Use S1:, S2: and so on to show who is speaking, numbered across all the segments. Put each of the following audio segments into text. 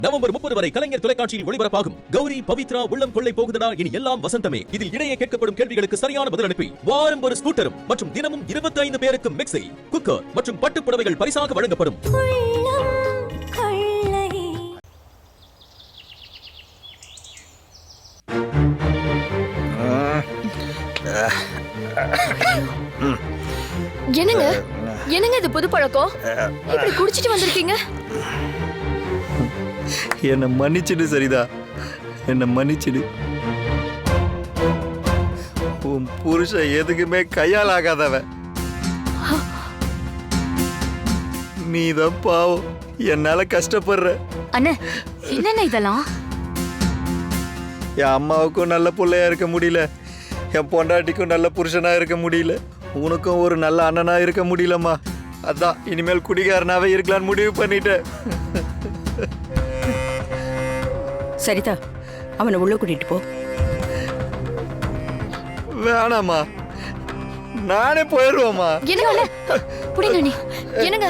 S1: November 30 வரை கலைஞர் தொலைக்காட்சியில் ஒளிபரப்பாகும் கௌரி பவித்ரா உள்ளம் கொள்ளை போகுதடா இனி எல்லாம் வசந்தமே. இதில் இடையே கேட்கப்படும் கேள்விகளுக்கு சரியான பதில் அனுப்பி வாரம் ஒரு ஸ்கூட்டரும் மற்றும் தினமும் 25 பேருக்கு மிக்ஸி, குக்கர் மற்றும் பட்டுப் புடவைகள் பரிசாக வழங்கப்படும்.
S2: என்னங்க என்னங்க இது புது பழக்கம்? இப்படி குடிச்சிட்டு வந்திருக்கீங்க?
S3: என்ன மன்னிச்சிடு சரிதா, என்ன மன்னிச்சிடு. உன் புருஷன் எதுக்குமே கையால் ஆகாதவன். நீதான் பாவம், என்னால கஷ்டப்படுற.
S2: அண்ணே என்னண்ணே இதெல்லாம்?
S3: என் அம்மாவுக்கும் நல்ல பிள்ளையா இருக்க முடியல, என் பொண்டாட்டிக்கும் நல்ல புருஷனா இருக்க முடியல, உனக்கும் ஒரு நல்ல அண்ணனா இருக்க முடியலம்மா. அதான் இனிமேல் குடிகாரனாவே இருக்கலான்னு முடிவு பண்ணிட்டேன்.
S4: சரிதா, அவனை உள்ள கூட்டிட்டு போ.
S3: வேணாமா, நானே போயிடுவோமா.
S2: என்னங்க புடிங்க நீ. என்னங்க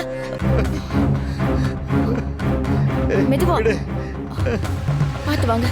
S2: மெதுவா பார்த்து வாங்க.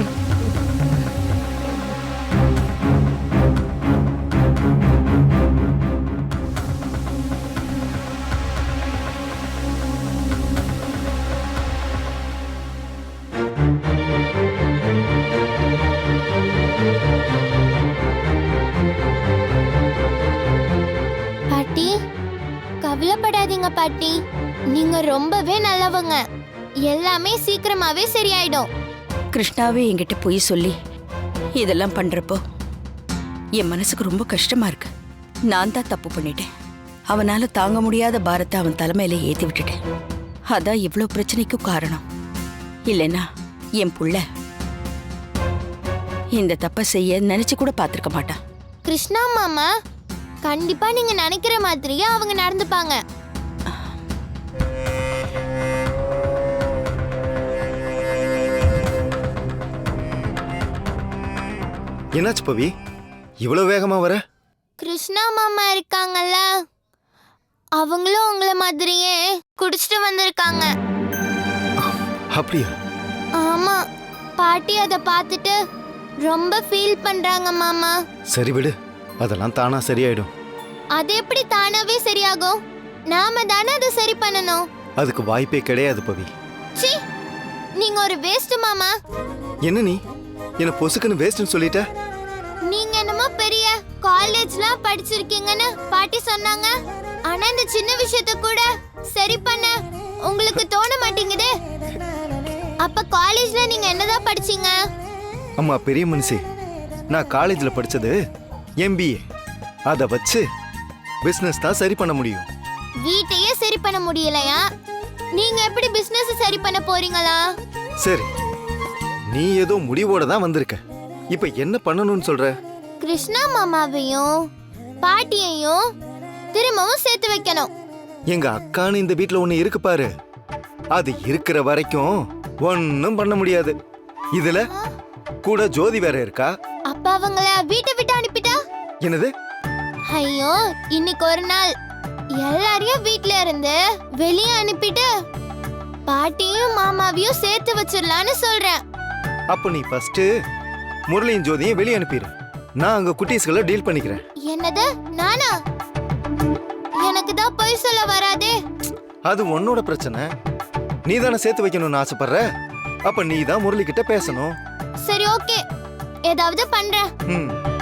S5: பாட்டி, கவலைப்படாதீங்க பாட்டி, நீங்க ரொம்பவே நல்லவங்க. எல்லாமே சீக்கிரமாவே சரியாயிடும்.
S4: கிருஷ்ணாவே என்கிட்ட போய் சொல்லி இதெல்லாம் பண்றப்போ என் மனசுக்கு ரொம்ப கஷ்டமா இருக்கு. நான் தான் தப்பு பண்ணிட்டேன். அவனால தாங்க முடியாத பாரத்தை அவன் தலைமையில ஏத்தி விட்டுட்டேன். அதான் இவ்வளோ பிரச்சனைக்கும் காரணம். இல்லைன்னா என் புள்ள இந்த தப்பை செய்ய நினைச்சு கூட பார்த்திருக்க மாட்டான்.
S5: கிருஷ்ணா மாமா, கண்டிப்பா நீங்க நினைக்கிற மாதிரியே அவங்க நடந்துப்பாங்க.
S3: என்னாச்சு பவி, இவ்வளவு வேகமா வர?
S5: கிருஷ்ணா மாமா இருக்காங்கல்ல, அவங்களும் உங்கள மாதிரியே குடிச்சிட்டு வந்திருக்காங்க.
S3: அப்படியா?
S5: ஆமா, பாட்டி அதை பார்த்துட்டு ரொம்ப ஃபீல் பண்றாங்க மாமா.
S3: சரி விடு, அதெல்லாம் தானா சரியாயிடும்.
S5: அது எப்படி தானாவே சரியாகும்? நாம தானே அதை சரி பண்ணணும்.
S3: அதுக்கு வாய்ப்பே கிடையாது பவி.
S5: சீ, நீங்க ஒரு வேஸ்ட் மாமா.
S3: என்ன நீ என்ன பொசுக்குன்னு வேஸ்ட்னு சொல்லிட்ட?
S5: நீங்க என்னமோ பெரிய காலேஜ்லாம் படிச்சிருக்கீங்கன்னு பாட்டி சொன்னாங்க. ஆனா இந்த சின்ன விஷயத்தை கூட சரி பண்ண உங்களுக்கு தோண மாட்டேங்குதே. அப்ப காலேஜ்ல நீங்க என்னதான் படிச்சீங்க?
S3: அம்மா பெரிய மனுஷி, நான் காலேஜ்ல படிச்சது MBA. அதை வச்சு பிசினஸ் தான் சரி பண்ண முடியும்.
S5: வீட்டையே சரி பண்ண முடியலையா? நீங்க எப்படி பிசினஸ் சரி பண்ண போறீங்களா?
S3: சரி, நீ ஏதோ முடிவோட தான் வந்திருக்க. இப்ப என்ன பண்ணணும்னு சொல்ற?
S5: கிருஷ்ணா மாமாவையும் பாட்டியையும் திரும்பவும் சேர்த்து வைக்கணும்.
S3: எங்க அக்கான்னு இந்த வீட்ல ஒண்ணு இருக்கு பாரு, அது இருக்கிற வரைக்கும் ஒன்னும் பண்ண முடியாது. இதுல கூட ஜோதி வேற இருக்கா.
S5: அப்ப அவங்கள வீட்டை விட்டு அனுப்பிட்டா?
S3: என்னது?
S5: ஐயோ, இன்னைக்கு ஒரு நாள் எல்லாரையும் வீட்ல இருந்து வெளியே அனுப்பிட்டு பாட்டியும் மாமாவையும் சேர்த்து வச்சிடலான்னு சொல்றேன்.
S3: அப்ப நீ ஃபர்ஸ்ட் முரளியும் ஜோதியும் வெளியே அனுப்பிடு. நான் அங்க குட்டீஸ்களை டீல் பண்ணிக்கிறேன்.
S5: என்னது? நானா? எனக்கு தான் பொய் சொல்ல வராதே.
S3: அது உன்னோட பிரச்சனை. நீ தானே சேர்த்து வைக்கணும்னு ஆசைப்படுற. அப்ப நீ தான் முரளி கிட்ட பேசணும்.
S5: சரி, ஓகே, ஏதாவது பண்றேன்.